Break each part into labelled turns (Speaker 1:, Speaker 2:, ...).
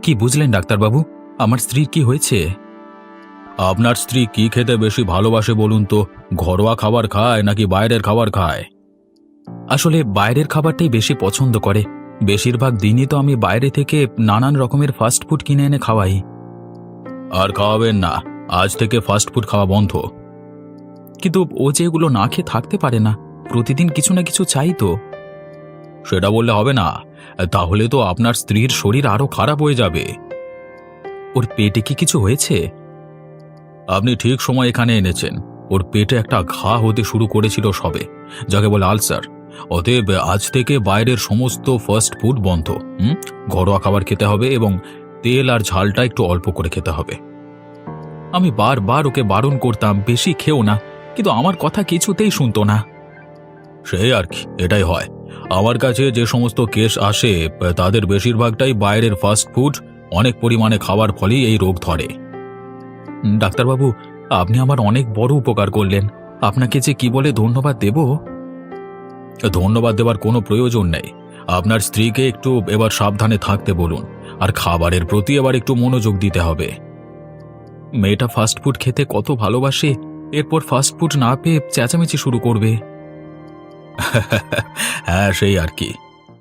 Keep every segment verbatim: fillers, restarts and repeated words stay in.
Speaker 1: কি বুঝলেন ডাক্তারবাবু? আমার স্ত্রীর কি হয়েছে? আপনার স্ত্রী কি খেতে বেশি ভালোবাসে বলুন তো? ঘরোয়া খাবার খায় নাকি বাইরের খাবার খায়? আসলে বাইরের খাবারটাই বেশি পছন্দ করে। বেশিরভাগ দিনই তো আমি বাইরে থেকে নানান রকমের ফাস্ট ফুড কিনে এনে খাওয়াই। আর খাওয়াবেন না, আজ থেকে ফাস্ট ফুড খাওয়া বন্ধ। কিন্তু ও যে এগুলো না খেয়ে থাকতে পারে না, প্রতিদিন কিছু না কিছু চাই তো। সেটা বললে হবে না, তাহলে তো আপনার স্ত্রীর শরীর আরো খারাপ হয়ে যাবে। ওর পেটে কি কিছু হয়েছে? আপনি ঠিক সময় এখানে এনেছেন। ওর পেটে একটা ঘা হতে শুরু করেছিল সবে, যাকে বলে আলসার। অতএব আজ থেকে বাইরের সমস্ত ফাস্ট ফুড বন্ধ। হুম ঘরোয়া খাবার খেতে হবে এবং তেল আর ঝালটা একটু অল্প করে খেতে হবে। আমি বারবার ওকে বারণ করতাম বেশি খেও না, কিন্তু আমার কথা কিছুতেই শুনতো না। সেই আর কি, এটাই হয়। আমার কাছে যে সমস্ত কেস আসে তাদের বেশিরভাগটাই বাইরের ফাস্ট ফুড অনেক পরিমাণে খাওয়ার ফলেই এই রোগ ধরে। ডাক্তারবাবু, আপনি আমার অনেক বড় উপকার করলেন। আপনাকে যে কি বলে ধন্যবাদ দেব। ধন্যবাদ দেওয়ার কোনো প্রয়োজন নেই। আপনার স্ত্রীকে একটু এবার সাবধানে থাকতে বলুন, আর খাবারের প্রতি এবার একটু মনোযোগ দিতে হবে। মেয়েটা ফাস্টফুড খেতে কত ভালোবাসে, এরপর ফাস্টফুড না পেয়ে চেঁচামেচি শুরু করবে। হ্যাঁ, সেই আর কি।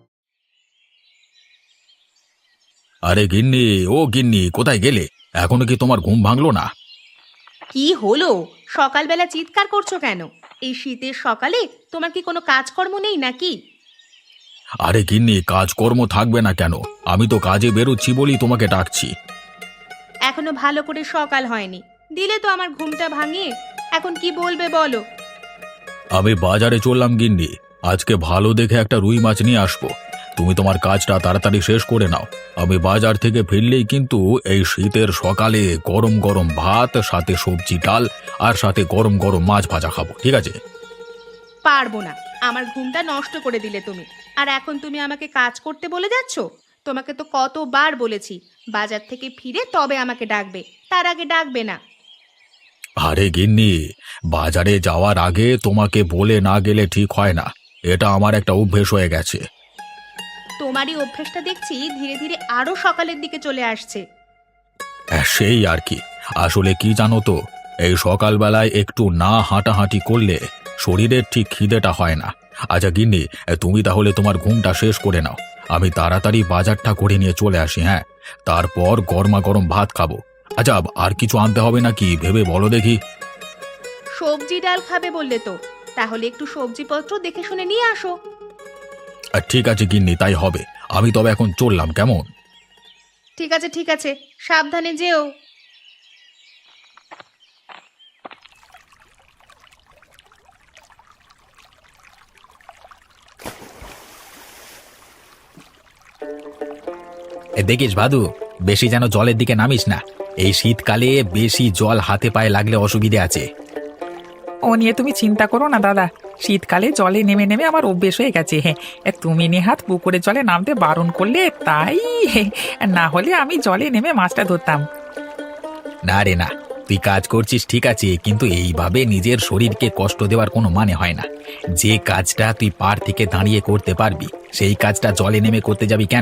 Speaker 1: আরে গিন্নি, ও গিন্নি, কোথায় গেলে? এখনো কি তোমার ঘুম ভাঙলো না?
Speaker 2: কি হলো? সকালবেলা চিৎকার করছো কেন? এই শীতের সকালে তোমার কি কোনো কাজকর্ম নেই নাকি?
Speaker 1: আরে গিন্নি, কাজকর্ম থাকবে না কেন? আমি তো কাজে বেরোচ্ছি বলি তোমাকে ডাকছি।
Speaker 2: এখনো ভালো করে সকাল হয়নি, দিলে তো আমার ঘুমটা ভাঙিয়ে। এখন কি বলবে বলো?
Speaker 1: আমি বাজারে চললাম গিন্নি, আজকে ভালো দেখে একটা রুই মাছ নিয়ে আসবো। তুমি তোমার কাজটা তাড়াতাড়ি শেষ করে নাও। আমি বাজার থেকে ফিরলেই কিন্তু এই শীতের সকালে গরম গরম ভাত, সাথে সবজি ডাল, আর সাথে গরম গরম মাছ ভাজা খাবো, ঠিক আছে?
Speaker 2: পারবো না, আমার ঘুমটা নষ্ট করে দিলে তুমি। আর এখন তুমি আমাকে কাজ করতে বলে যাচ্ছ? তোমাকে তো কতবার বলেছি বাজার থেকে ফিরে তবে আমাকে ডাকবে, তার আগে ডাকবে না।
Speaker 1: আরে গিন্নি, বাজারে যাওয়ার আগে তোমাকে বলে না গেলে ঠিক হয় না। এটা আমার একটা অভ্যেস হয়ে গেছে।
Speaker 2: তোমারই অভ্যেসটা দেখছি ধীরে ধীরে আরো সকালের দিকে চলে আসছে।
Speaker 1: হ্যাঁ, সেই আর কি। আসলে কি জানো তো, এই সকালবেলায় একটু না হাঁটাহাঁটি করলে শরীরের ঠিক খিদেটা হয় না। আচ্ছা গিন্নি, তুমি তাহলে তোমার ঘুমটা শেষ করে নাও। আমি তাড়াতাড়ি বাজারটা করে নিয়ে চলে আসি। হ্যাঁ, তারপর গরমা গরম ভাত খাবো। আচ্ছা, আর কিছু আনতে হবে নাকি ভেবে বলো দেখি।
Speaker 2: সবজি ডাল খাবে বললে তো, তাহলে একটু সবজিপত্র দেখে শুনে নিয়ে আসো।
Speaker 1: আর ঠিক আছে গিন্নি, তাই হবে। আমি তবে এখন চললাম, কেমন?
Speaker 2: ঠিক আছে ঠিক আছে, সাবধানে যেও।
Speaker 3: এ দেখিস ভাদু, বেশি যেন জলের দিকে নামিস না। এই শীতকালে বেশি জল হাতে পায়ে লাগলে অসুবিধে আছে।
Speaker 4: ও নিয়ে তুমি চিন্তা করো না দাদা, শীতকালে জলে নেমে নেমে আমার অভ্যেস হয়ে গেছে। হ্যাঁ, তুমি নেহাত পুকুরের জলে নামতে বারণ করলে তাই, না হলে আমি জলে নেমে মাছটা ধরতাম।
Speaker 3: না রে না, তুই কাজ করছিস ঠিক আছে, কিন্তু এইভাবে নিজের শরীরকে কষ্ট দেওয়ার কোনো মানে হয় না। যে কাজটা তুই পার থেকে দাঁড়িয়ে করতে পারবি, সেই কাজটা জলে নেমে করতে যাবি কেন?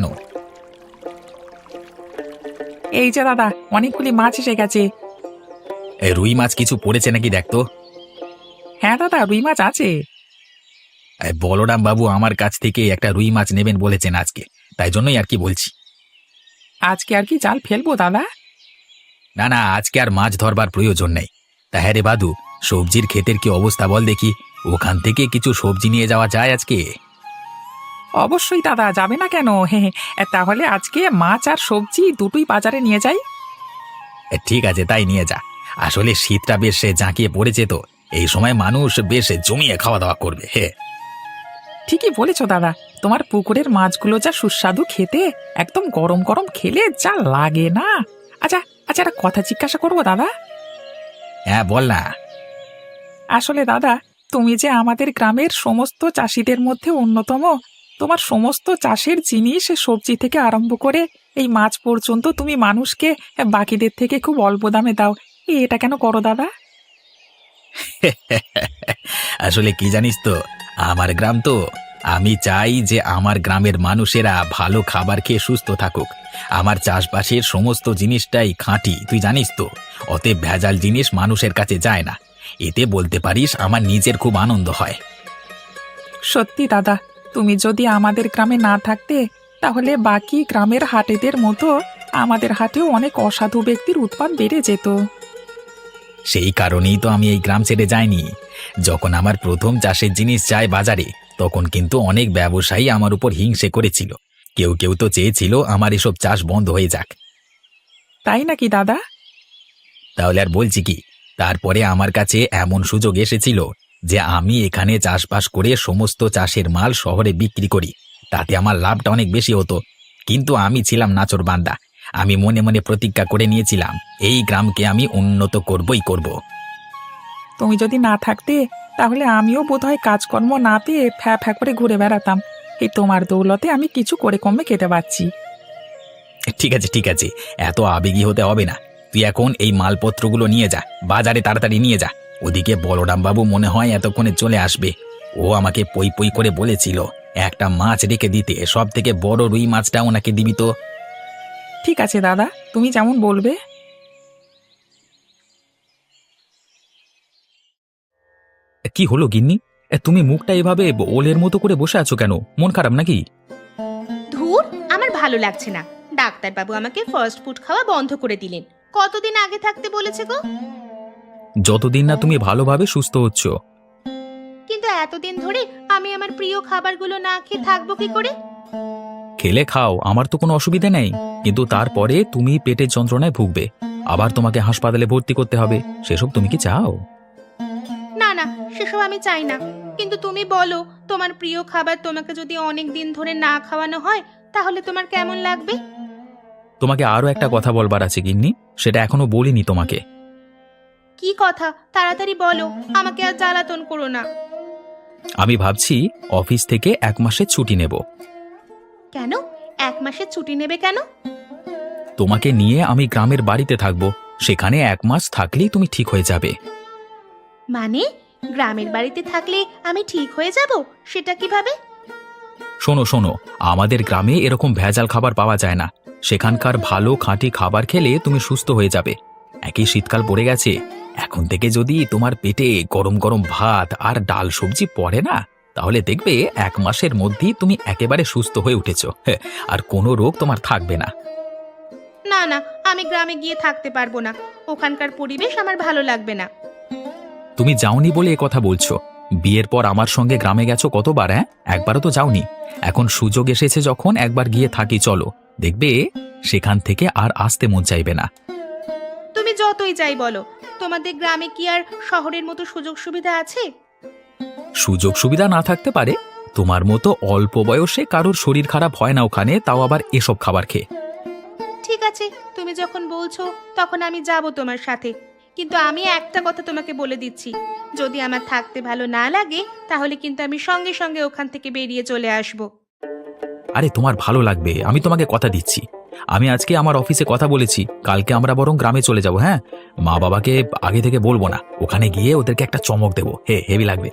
Speaker 4: এই যে দাদা, অনেকগুলি মাছ এসে গেছে।
Speaker 3: এ রুই মাছ কিছু পড়েছে নাকি দেখতো।
Speaker 4: হ্যাঁ দাদা, রুই মাছ আছে।
Speaker 3: এ বলরাম বাবু আমার কাছ থেকে একটা রুই মাছ নেবেন বলেছেন আজকে, তাই জন্যই আর কি বলছি।
Speaker 4: আজকে আর কি জাল ফেলবো দাদা?
Speaker 3: না না, আজকে আর মাছ ধরবার প্রয়োজন নেই। তা হ্যাঁ রে বাদু, সবজির ক্ষেতের কি অবস্থা বল দেখি। ওখান থেকে কিছু সবজি নিয়ে যাওয়া যায় আজকে?
Speaker 4: অবশ্যই দাদা, যাবে না কেন? হ্যাঁ, তাহলে আজকে মাছ আর সবজি দুটোই বাজারে নিয়ে যাই।
Speaker 3: এ, ঠিক আছে, তাই নিয়ে যা। আসলে শীতটা বেশ জাঁকিয়ে পড়েছে তো, এই সময় মানুষ বেশ জমিয়ে খাওয়া দাওয়া করবে। হে,
Speaker 4: ঠিকই বলেছো দাদা, তোমার পুকুরের মাছগুলো যা সুস্বাদু খেতে, একদম গরম গরম খেলে যা লাগে না। আচ্ছা আচ্ছা, একটা কথা জিজ্ঞাসা করবো দাদা?
Speaker 3: হ্যাঁ বল না।
Speaker 4: আসলে দাদা, তুমি যে আমাদের গ্রামের সমস্ত চাষিদের মধ্যে অন্যতম, তোমার সমস্ত চাষের জিনিস সবজি থেকে আরম্ভ করে এই মাছ পর্যন্ত তুমি মানুষকে বাকিদের থেকে খুব অল্প দামে দাও, এটা কেন করো দাদা?
Speaker 3: আসলে কি জানিস তো, আমার গ্রাম তো, আমি চাই যে আমার গ্রামের মানুষেরা ভালো খাবার খেয়ে সুস্থ থাকুক। আমার চাষবাসের সমস্ত জিনিসটাই খাঁটি, তুই জানিস তো। অতএব ভেজাল জিনিস মানুষের কাছে যায় না। এতে বলতে পারিস আমার নিজের খুব আনন্দ হয়।
Speaker 4: সত্যি দাদা, তুমি যদি আমাদের গ্রামে না থাকতে তাহলে বাকি গ্রামের হাটেদের মতো আমাদের হাটেও অনেক অসাধু ব্যক্তির উৎপাত বেড়ে যেত।
Speaker 3: সেই কারণেই তো আমি এই গ্রাম ছেড়ে যাইনি। যখন আমার প্রথম চাষের জিনিস যায় বাজারে, তখন কিন্তু অনেক ব্যবসায়ী আমার উপর হিংসে করেছিল। কেউ কেউ তো চেয়েছিল আমার এসব চাষ বন্ধ হয়ে যাক।
Speaker 4: তাই নাকি দাদা?
Speaker 3: তাহলে আর বলছি কি, তারপরে আমার কাছে এমন সুযোগ এসেছিল যে আমি এখানে চাষবাস করে সমস্ত চাষের মাল শহরে বিক্রি করি। তাতে আমার লাভটা অনেক বেশি হতো। কিন্তু আমি ছিলাম নাছোড়বান্দা। আমি মনে মনে প্রতিজ্ঞা করে নিয়েছিলাম এই গ্রামকে আমি উন্নত করবই করব।
Speaker 4: তুমি যদি না থাকতে তাহলে আমিও বোধহয় কাজকর্ম না পেয়ে ফ্যা ফ্যা করে ঘুরে বেড়াতাম। এই তোমার দৌলতে আমি কিছু করে কমে খেতে পারছি।
Speaker 3: ঠিক আছে ঠিক আছে, এত আবেগী হতে হবে না। তুই এখন এই মালপত্রগুলো নিয়ে যা, বাজারে তাড়াতাড়ি নিয়ে যা। ওদিকে বলরাম বাবু মনে হয় এতক্ষণে চলে আসবে। ও আমাকে পই পই করে বলেছিল একটা মাছ রেখে দিতে, সব থেকে বড় রুই মাছটা ওনাকে দিবি তো।
Speaker 4: ঠিক আছে দাদা, তুমি যেমন বলবে।
Speaker 1: কি হলো গিন্নি? এ, তুমি মুখটা এভাবে ওলের মতো করে বসে আছো কেন? মন খারাপ নাকি?
Speaker 2: ধুর, আমার ভালো লাগছে না। ডাক্তারবাবু আমাকে ফাস্ট ফুড খাওয়া বন্ধ করে দিলেন। কতদিন আগে থাকতে বলেছে গো?
Speaker 1: যতদিন না তুমি ভালোভাবে সুস্থ হচ্ছ।
Speaker 2: কিন্তু এতদিন ধরে আমি আমার প্রিয় খাবারগুলো না খেয়ে থাকবো কি করে?
Speaker 1: খেলে খাও, আমার তো কোনো অসুবিধা নেই। কিন্তু তারপরে তুমি পেটের যন্ত্রণায় ভুগবে, আবার তোমাকে হাসপাতালে ভর্তি করতে হবে। সেসব তুমি কি চাও?
Speaker 2: না না, সেসব আমি চাই না। কিন্তু তুমি বলো, তোমার প্রিয় খাবার তোমাকে যদি অনেক দিন ধরে না খাওয়ানো হয় তাহলে তোমার কেমন লাগবে?
Speaker 1: তোমাকে আরো একটা কথা বলবার আছে গিন্নি, সেটা এখনো বলিনি তোমাকে।
Speaker 2: কি কথা? তাড়াতাড়ি বলো, আমাকে আর জ্বালাতন করো না।
Speaker 1: আমি ভাবছি অফিস থেকে এক মাসের ছুটি নেব।
Speaker 2: কেন? এক মাসের ছুটি নেবে কেন?
Speaker 1: তোমাকে নিয়ে আমি গ্রামের বাড়িতে থাকবো। সেখানে এক মাস থাকলেই তুমি ঠিক হয়ে যাবে।
Speaker 2: মানে গ্রামের বাড়িতে থাকলে আমি ঠিক হয়ে যাব? সেটা কিভাবে?
Speaker 1: শোনো শোনো, আমাদের গ্রামে এরকম ভেজাল খাবার পাওয়া যায় না। সেখানকার ভালো খাঁটি খাবার খেলে তুমি সুস্থ হয়ে যাবে। একই শীতকাল পড়ে গেছে, এখন থেকে যদি তোমার পেটে গরম গরম ভাত আর ডাল সবজি পড়ে না, তাহলে দেখবে এক মাসের মধ্যেই তুমি একেবারে সুস্থ হয়ে উঠেছো। হ্যাঁ, আর কোনো রোগ তোমার থাকবে না।
Speaker 2: না না, আমি গ্রামে গিয়ে থাকতে পারবো না। ওখানকার পরিবেশ আমার ভালো লাগবে না।
Speaker 1: তুমি যাওনি বলে এ কথা বলছো। বিয়ের পর আমার সঙ্গে গ্রামে গেছো কতবার? হ্যাঁ, একবারও তো যাওনি। এখন সুযোগ এসেছে যখন, একবার গিয়ে থাকি চলো, দেখবে সেখান থেকে আর আসতে মন চাইবে না।
Speaker 2: তুমি যতই যাই বলো, তোমাদের গ্রামে কি আর শহরের মতো সুযোগ সুবিধা আছে?
Speaker 1: সুযোগ সুবিধা না থাকতে পারে, তোমার মতো অল্প বয়সে কারোর শরীর খারাপ হয় না ওখানে, তাও আবার এসব খাবার খেয়ে।
Speaker 2: ঠিক আছে, তুমি যখন বলছো তখন আমি যাব তোমার সাথে। কিন্তু আমি একটা কথা তোমাকে বলে দিচ্ছি, যদি আমার থাকতে ভালো না লাগে তাহলে কিন্তু আমি সঙ্গে সঙ্গে ওখান থেকে বেরিয়ে চলে আসব।
Speaker 1: আরে তোমার ভালো লাগবে, আমি তোমাকে কথা দিচ্ছি। আমি আজকে আমার অফিসে কথা বলেছি, কালকে আমরা বরং গ্রামে চলে যাব। হ্যাঁ, মা বাবাকে আগে থেকে বলবো না, ওখানে গিয়ে ওদেরকে একটা চমক দেবো। হে, হেভি লাগবে।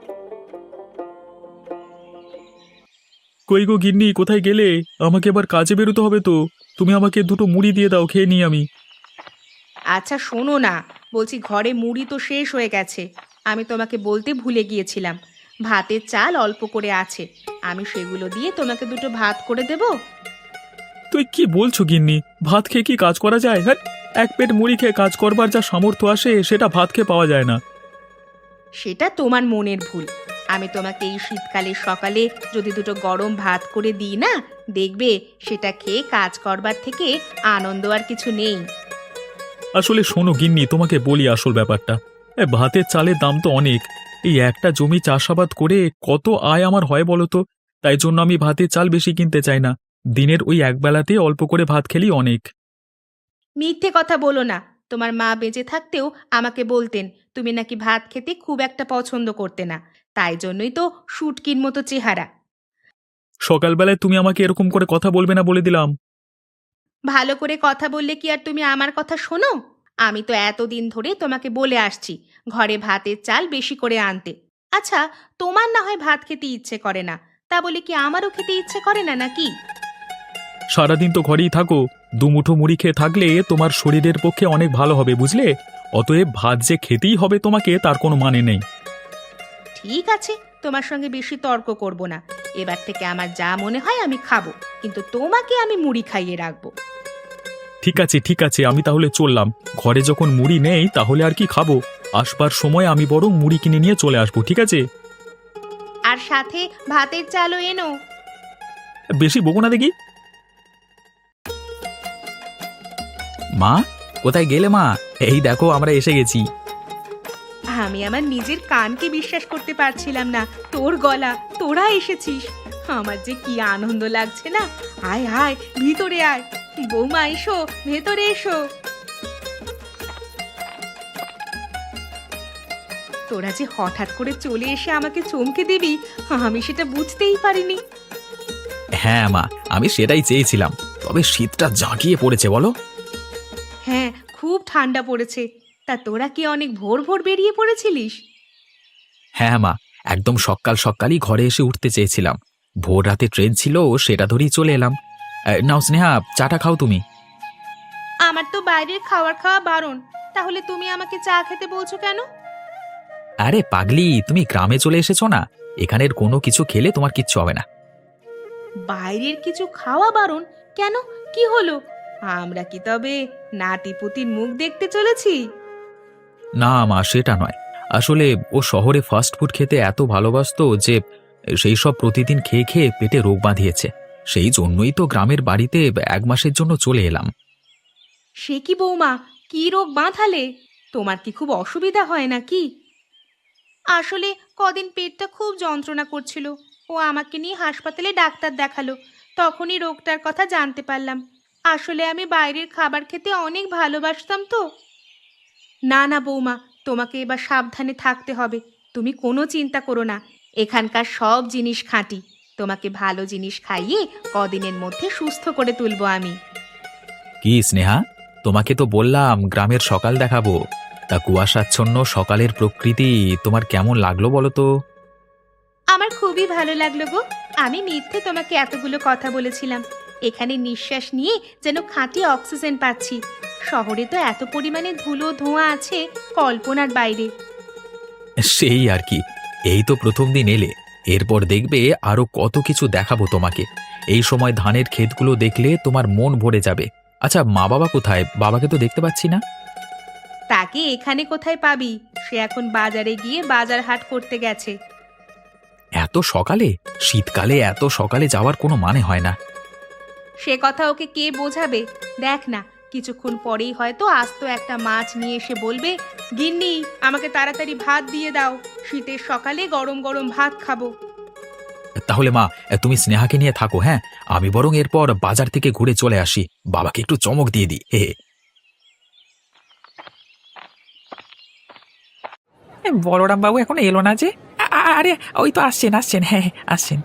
Speaker 5: কই গো গিন্নি, কোথায় গেলে? আমাকে এবার কাজে বেরোতে হবে তো। তুমি আমাকে দুটো মুড়ি দিয়ে দাও, খেয়ে নিই আমি।
Speaker 2: আচ্ছা শোনো না, বলছি ঘরে মুড়ি তো শেষ হয়ে গেছে। আমি তোমাকে বলতে ভুলে গিয়েছিলাম, ভাতের চাল অল্প করে আছে। আমি সেগুলো দিয়ে তোমাকে দুটো ভাত করে দেব।
Speaker 5: তুই কি বলছো গিন্নি? ভাত খেয়ে কি কাজ করা যায়? হ্যাঁ, এক পেট মুড়ি খেয়ে কাজ করবার যা সামর্থ্য আসে সেটা ভাত খেয়ে পাওয়া যায় না।
Speaker 2: সেটা তোমার মনের ভুল। আমি তোমাকে এই শীতকালের সকালে যদি দুটো গরম ভাত করে দিই না, দেখবে সেটা খেয়ে কাজ করবার থেকে আনন্দ আর কিছু নেই।
Speaker 5: আসলে শোনো গিন্নি, তোমাকে বলি আসল ব্যাপারটা। এ, ভাতের চালের দাম তো অনেক। এই একটা জমি চাষাবাদ করে কত আয় আমার হয় বলো তো? তাই জন্য আমি ভাতের চাল বেশি কিনতে চাই না। দিনের ওই একবেলাতে অল্প করে ভাত খেলেই অনেক।
Speaker 2: মিথ্যে কথা বলো না। তোমার মা বেঁচে থাকতেও আমাকে বলতেন তুমি নাকি ভাত খেতে খুব একটা পছন্দ করতে না, তাই জন্যই তো শুটকির মতো চেহারা।
Speaker 5: সকালবেলায় তুমি আমাকে এরকম করে কথা বলবে না বলে দিলাম।
Speaker 2: ভালো করে কথা বললে কি আর তুমি আমার কথা শোনো? আমি তো এতদিন ধরে তোমাকে বলে আসছি ঘরে ভাতের চাল বেশি করে আনতে। আচ্ছা, তোমার না হয় ভাত খেতে ইচ্ছে করে না, তা বলে কি আমারও খেতে ইচ্ছে করে না নাকি?
Speaker 5: সারাদিন তো ঘরেই থাকো, দুমুঠো মুড়ি খেয়ে থাকলে তোমার শরীরের পক্ষে অনেক ভালো হবে বুঝলে। অতএব ভাত যে খেতেই হবে তোমাকে তার কোনো মানে নেই।
Speaker 2: ঠিক আছে, তোমার সঙ্গে বেশি তর্ক করব না। এবার থেকে আমার যা মনে হয় আমি খাবো, কিন্তু তোমাকে আমি মুড়ি খাইয়ে রাখবো।
Speaker 5: ঠিক আছে ঠিক আছে, আমি তাহলে চললাম। ঘরে যখন মুড়ি নেই তাহলে আর কি খাবো। আসবার সময় আমি বরং মুড়ি কিনে নিয়ে চলে আসবো, ঠিক আছে?
Speaker 2: আর সাথে ভাতের চালও এনো।
Speaker 5: বেশি বকো না দেখি।
Speaker 3: মা, কোথায় গেলে মা? এই দেখো আমরা এসে গেছি।
Speaker 2: আমি আমার নিজের কানকে বিশ্বাস করতে পারছিলাম না। তোর গলা, তোরা এসেছিস। আমার যে কি আনন্দ লাগছে না। আয় আয়, ভিতরে আয়। বৌমা এসো, ভেতরে এসো। তোরা যে হঠাৎ করে চলে এসে আমাকে চমকে দিবি, আমি সেটা বুঝতেই পারিনি।
Speaker 3: হ্যাঁ মা, আমি সেটাই চেয়েছিলাম। তবে শীতটা জাঁকিয়ে পড়েছে বলো।
Speaker 2: হ্যাঁ, খুব ঠান্ডা পড়েছে। তা তোরা কি অনেক ভোর ভোর বেরিয়ে পড়েছিলিস?
Speaker 3: হ্যাঁ মা, একদম সকাল সকালই ঘরে এসে উঠতে চেয়েছিলাম। ভোর রাতে ট্রেন ছিল, সেটা ধরেই চলে এলাম। এ, নাও স্নেহা, চাটা খাও তুমি।
Speaker 2: আমার তো বাইরের খাবার খাওয়া বারণ। তাহলে তুমি আমাকে চা খেতে বলছো কেন?
Speaker 3: আরে পাগলি, তুমি গ্রামে চলে এসেছো না, এখানের কোনো কিছু খেলে তোমার কিচ্ছু হবে না।
Speaker 2: বাইরের কিছু খাওয়া বারণ কেন? কি হলো? আমরা কি তবে নাতিপুতির মুখ দেখতে চলেছি?
Speaker 3: না মা, সেটা নয়। আসলে ও শহরে ফাস্ট ফুড খেতে এত ভালোবাসতো যে সেই সব প্রতিদিন খেয়ে খেয়ে পেটে রোগ বাঁধিয়েছে। সেই জন্যই তো গ্রামের বাড়িতে এক মাসের জন্য চলে এলাম।
Speaker 2: সে কি বৌমা, কি রোগ বাঁধালে? তোমার কি খুব অসুবিধা হয় নাকি? আসলে কদিন পেটটা খুব যন্ত্রণা করছিল। ও আমাকে নিয়ে হাসপাতালে ডাক্তার দেখালো। তখনই রোগটার কথা জানতে পারলাম। আসলে আমি বাইরের খাবার খেতে অনেক ভালোবাসতাম তো। না না বৌমা, তোমাকে এবার সাবধানে থাকতে হবে। তুমি কোনো চিন্তা করো না। এখানকার সব জিনিস খাঁটি। তোমাকে ভালো জিনিস খাইয়ে কদিনের মধ্যে সুস্থ করে তুলবো আমি।
Speaker 3: কি স্নেহা, তোমাকে তো বললাম গ্রামের সকাল দেখাবো। তা কুয়াশাচ্ছন্ন সকালের প্রকৃতি তোমার কেমন লাগলো বলো তো?
Speaker 2: আমার খুবই ভালো লাগলো গো। আমি মিথ্যে তোমাকে এতগুলো কথা বলেছিলাম। এখানে নিঃশ্বাস নিয়ে যেন খাঁটি অক্সিজেন পাচ্ছি। শহরে তো এত পরিমাণে ধুলো ধোঁয়া আছে, কল্পনার বাইরে।
Speaker 3: সেই আর কি। এই তো প্রথম দিন এলে, এরপর দেখবে আরো কত কিছু দেখাবো তোমাকে। এই সময় ধানের ক্ষেতগুলো দেখলে তোমার মন ভরে যাবে। আচ্ছা, মা বাবা কোথায়? বাবাকে তো দেখতে পাচ্ছি না।
Speaker 2: তাকে এখানে কোথায় পাবি? সে এখন বাজারে গিয়ে বাজার হাট করতে গেছে।
Speaker 3: এত সকালে? শীতকালে এত সকালে যাওয়ার কোনো মানে হয় না।
Speaker 2: সে কথা ওকে কে বোঝাবে? দেখ না, কিছুক্ষণ পরেই হয়তো আস্ত একটা মাছ নিয়ে এসে বলবে, গিন্নি আমাকে তাড়াতাড়ি ভাত দিয়ে দাও, শীতের সকালে গরম গরম ভাত খাবো।
Speaker 3: তাহলে মা, তুমি স্নেহাকে নিয়ে থাকো। হ্যাঁ, আমি বরং এরপর বাজার থেকে ঘুরে চলে আসি, বাবাকে একটু চমক দিয়ে দিই। হে হে।
Speaker 4: এ, বলরাম বাবু এখন এলো না যে? আ- আ- আরে ওই তো আসছেন আসছেন, হ্যাঁ হ্যাঁ, আসছেন।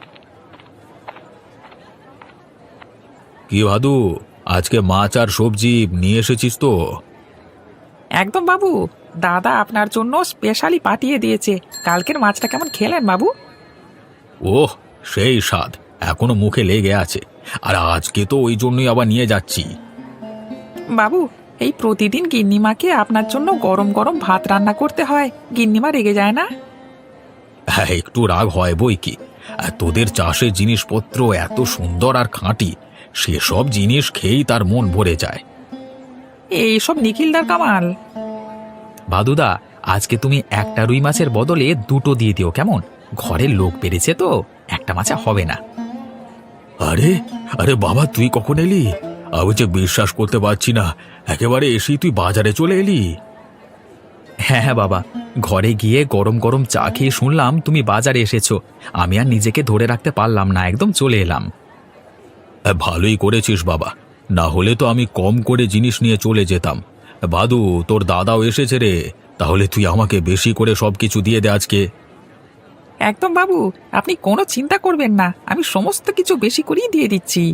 Speaker 1: কি ভাদু, আজকে মাছ আর সবজি নিয়ে এসেছিস তো?
Speaker 4: একদম বাবু, দাদা আপনার জন্য স্পেশালি পাঠিয়ে দিয়েছে। কালকের মাছটা কেমন খেলেন বাবু?
Speaker 1: ওহ, সেই স্বাদ এখনো মুখে লেগে আছে। আর আজকে তো ওই জন্যই আবার নিয়ে যাচ্ছি।
Speaker 4: বাবু, এই প্রতিদিন গিন্নিমাকে আপনার জন্য গরম গরম ভাত রান্না করতে হয়। গিন্নিমা রেগে যায় না?
Speaker 1: হ্যাঁ, একটু রাগ হয় বই কি। আর তোদের চাষের জিনিসপত্র এত সুন্দর আর খাঁটি, সেসব জিনিস খেয়েই তার মন ভরে যায়।
Speaker 4: এইসব নিখিলদার কামাল।
Speaker 3: ভাদুদা, আজকে তুমি একটা রুই মাছের বদলে দুটো দিয়ে দিও কেমন? ঘরের লোক পেরেছে তো, একটা মাছে হবে না।
Speaker 1: আরে আরে বাবা, তুই কখন এলি? আমি যে বিশ্বাস করতে পারছি না, একেবারে এসেই তুই বাজারে চলে এলি।
Speaker 3: হ্যাঁ হ্যাঁ বাবা, ঘরে গিয়ে গরম গরম চা খেয়ে শুনলাম তুমি বাজারে এসেছো। আমি আর নিজেকে ধরে রাখতে পারলাম না, একদম চলে এলাম।
Speaker 1: হ্যাঁ, ভালোই করেছিস বাবা, না হলে তো আমি কম করে জিনিস নিয়ে চলে যেতাম। ভাদু, তোর দাদাও এসেছে রে, তাহলে তুই আমাকে বেশি করে সবকিছু দিয়ে দে আজকে।
Speaker 4: একদম বাবু, আপনি কোনো চিন্তা করবেন না, আমি সমস্ত কিছু বেশি করেই দিয়ে দিচ্ছি।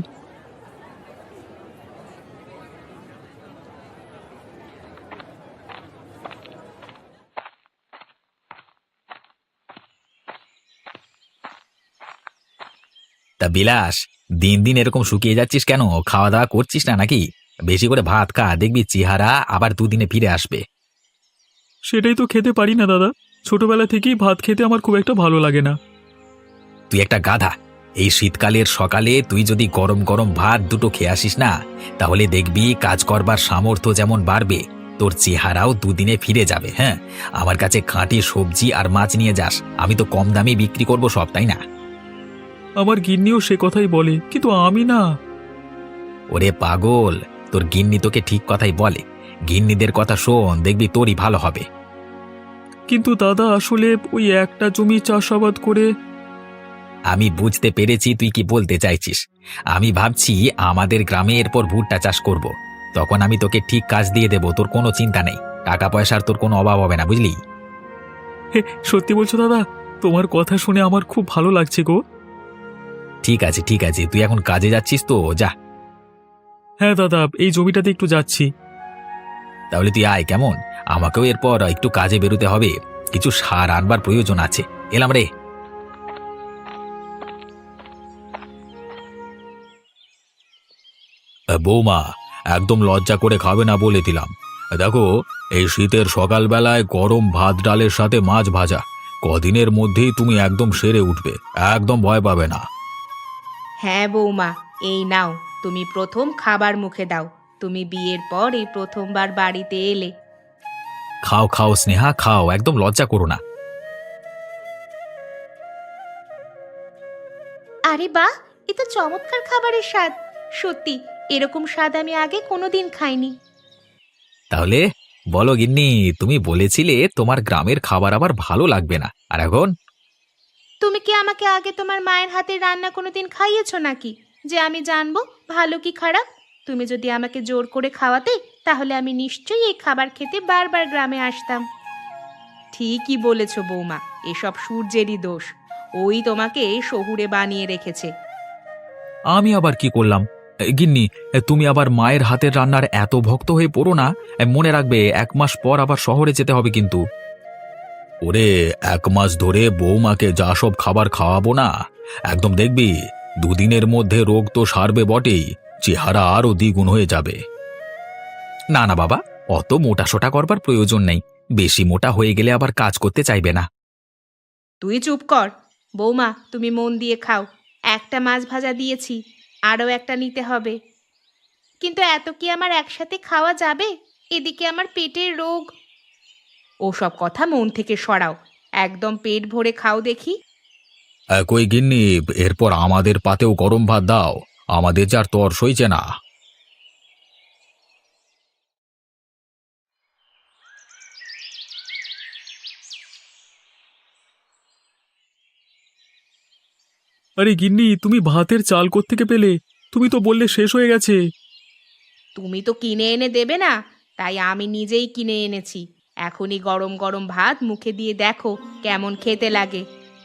Speaker 3: বিলাস, দিন দিন এরকম শুকিয়ে যাচ্ছিস কেন? খাওয়া দাওয়া করছিস না নাকি? বেশি করে ভাত খা, দেখবি চেহারা আবার দুদিনে ফিরে আসবে।
Speaker 5: সেটাই তো খেতে পারি না দাদা। ছোটবেলা থেকেই ভাত খেতে আমার খুব একটা ভালো লাগে না।
Speaker 3: তুই একটা গাধা। এই শীতকালের সকালে তুই যদি গরম গরম ভাত দুটো খেয়ে আসিস না, তাহলে দেখবি কাজ করবার সামর্থ্য যেমন বাড়বে, তোর চেহারাও দুদিনে ফিরে যাবে। হ্যাঁ, আমার কাছে খাঁটি সবজি আর মাছ নিয়ে যাস, আমি তো কম দামে বিক্রি করব সব, তাই না?
Speaker 5: আমার গিন্নিও সে কথাই বলে, কিন্তু আমি না।
Speaker 3: ওরে পাগল, তোর গিন্নি তোকে ঠিক কথাই বলে। গিন্নিদের কথা শোন, দেখবি তোরই ভালো হবে।
Speaker 5: কিন্তু দাদা, আসলে ওই একটা জমি চাষাবাদ করে।
Speaker 3: আমি বুঝতে পেরেছি তুই কি বলতে চাইছিস। আমি ভাবছি আমাদের গ্রামে এরপর ভুট্টা চাষ করব। তখন আমি তোকে ঠিক কাজ দিয়ে দেব, তোর কোনো চিন্তা নেই। টাকা পয়সার তোর কোনো অভাব হবে না, বুঝলি?
Speaker 5: হে, সত্যি বলছো দাদা? তোমার কথা শুনে আমার খুব ভালো লাগছে গো।
Speaker 3: ঠিক আছে ঠিক আছে, তুই এখন কাজে যাচ্ছিস তো, যা।
Speaker 5: হ্যাঁ দাদা, এই জমিটাতে একটু যাচ্ছি।
Speaker 3: তাহলে তুই আয় কেমন? আমাকেও এরপর একটু কাজে বেরোতে হবে, কিছু সার আনবার প্রয়োজন আছে। এলাম রে। বৌমা, একদম লজ্জা করে খাবে না বলে দিলাম। দেখো, এই শীতের সকালবেলায় গরম ভাত ডালের সাথে মাছ ভাজা, কদিনের মধ্যেই তুমি একদম সেরে উঠবে, একদম ভয় পাবে না।
Speaker 2: হ্যাঁ বৌমা, এই নাও, তুমি প্রথম খাবার মুখে দাও। তুমি বিয়ের পর এই প্রথমবার বাড়িতে এলে।
Speaker 3: খাও খাও স্নেহা, খাও, একদম লজ্জা করো না।
Speaker 2: আরে বাহ, এ তো চমৎকার খাবারের স্বাদ। সত্যি, এরকম স্বাদ আমি আগে কোনোদিন খাইনি।
Speaker 3: তাহলে বলো গিন্নি, তুমি বলেছিলে তোমার গ্রামের খাবার আবার ভালো লাগবে না, আর এখন?
Speaker 2: তুমি কি আমাকে আগে তোমার মায়ের হাতের রান্না কোনোদিন খাইয়েছো নাকি, যে আমি জানবো ভালো কি খারাপ? তুমি যদি আমাকে জোর করে খাওয়াতে, তাহলে আমি নিশ্চয়ই এই খাবার খেতে বারবার গ্রামে আসতাম। ঠিকই বলেছো বৌমা, এসব সূর্যেরই দোষ। ওই তোমাকে শহুরে বানিয়ে রেখেছে।
Speaker 3: আমি আবার কি করলাম? এ, গিন্নি, এ, তুমি আবার মায়ের হাতের রান্নার এত ভক্ত হয়ে পড়ো না। এ, মনে রাখবে, এক মাস পর আবার শহরে যেতে হবে কিন্তু। ওরে, এক মাস ধরে বৌমাকে যা সব খাবার খাওয়াবো না, একদম দেখবি দুদিনের মধ্যে রোগ তো সারবে বটেই, চেহারা আরও দ্বিগুণ হয়ে যাবে। না না বাবা, অত মোটা সোটা করবার প্রয়োজন নেই। বেশি মোটা হয়ে গেলে আবার কাজ করতে চাইবে না।
Speaker 2: তুই চুপ কর। বৌমা, তুমি মন দিয়ে খাও। একটা মাছ ভাজা দিয়েছি, আরও একটা নিতে হবে। কিন্তু এত কি আমার একসাথে খাওয়া যাবে? এদিকে আমার পেটের রোগ। ওসব কথা মন থেকে সরাও, একদম পেট ভরে খাও দেখি।
Speaker 3: একই গিন্নি, এরপর আমাদের পাতেও গরম ভাত দাও, আমাদের যার তর সইছে না।
Speaker 5: আরে গিন্নি, তুমি ভাতের চাল কোত্থেকে পেলে? তুমি তো বললে শেষ হয়ে গেছে।
Speaker 2: তুমি তো কিনে এনে দেবে না, তাই আমি নিজেই কিনে এনেছি। এখনই গরম গরম ভাত মুখে দিয়ে দেখো কেমন খেতে লাগে।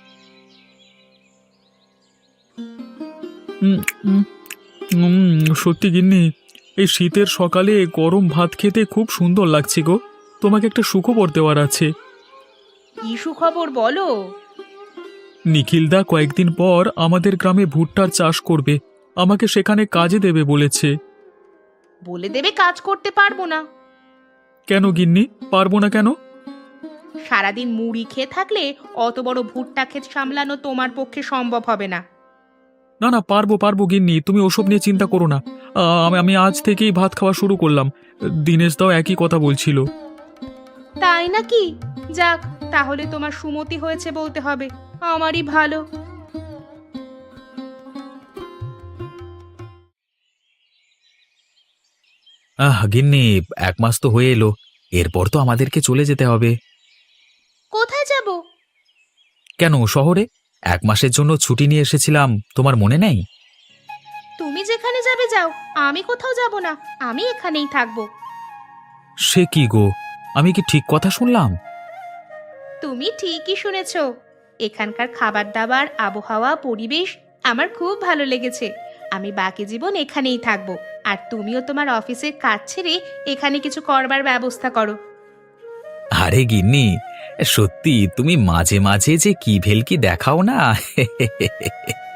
Speaker 5: উম, উম, উম, সত্যি গিন্নি, এই শীতের সকালে গরম ভাত খেতে খুব সুন্দর লাগছে গো। তোমাকে একটা সুখবর দেওয়ার আছে।
Speaker 2: কি সুখবর বলো?
Speaker 5: নিখিলদা কয়েকদিন পর আমাদের গ্রামে ভুট্টার চাষ করবে, আমাকে সেখানে কাজে দেবে বলেছে।
Speaker 2: বলে দেবে কাজ করতে পারবো না?
Speaker 5: কেন গিন্নি, পারবো না কেন?
Speaker 2: সারাদিন মুড়ি খেয়ে থাকলে অত বড় ভুট্টা ক্ষেত সামলানো তোমার পক্ষে সম্ভব হবে না।
Speaker 5: না না, পারবো পারবো গিন্নি, তুমি ওসব নিয়ে চিন্তা করো না। আ, আমি আমি আজ থেকেই ভাত খাওয়া শুরু করলাম। দিনেশ দাও একই কথা বলছিল।
Speaker 2: তাই নাকি? যাক, তাহলে তোমার সুমতি হয়েছে বলতে হবে। আমারই ভালো।
Speaker 3: আহ গিন্নি, এক মাস তো হয়ে এলো, এরপর তো আমাদেরকে চলে যেতে হবে।
Speaker 2: কোথায় যাব?
Speaker 3: কেন, শহরে এক মাসের জন্য ছুটি নিয়ে এসেছিলাম, তোমার মনে নেই?
Speaker 2: তুমি যেখানে যাবে যাও, আমি কোথাও যাব না। আমি এখানেই থাকবো।
Speaker 3: সে কি গো, আমি কি ঠিক কথা শুনলাম?
Speaker 2: তুমি ঠিকই শুনেছ। এখানকার খাবার দাবার, আবহাওয়া, পরিবেশ আমার খুব ভালো লেগেছে। আমি বাকি জীবন এখানেই থাকবো। আর তুমিও তোমার অফিসের কাজ ছেড়ে এখানে কিছু করবার ব্যবস্থা করো।
Speaker 3: আরে গিন্নি, সত্যি তুমি মাঝে মাঝে যে কি ভেলকি দেখাও না।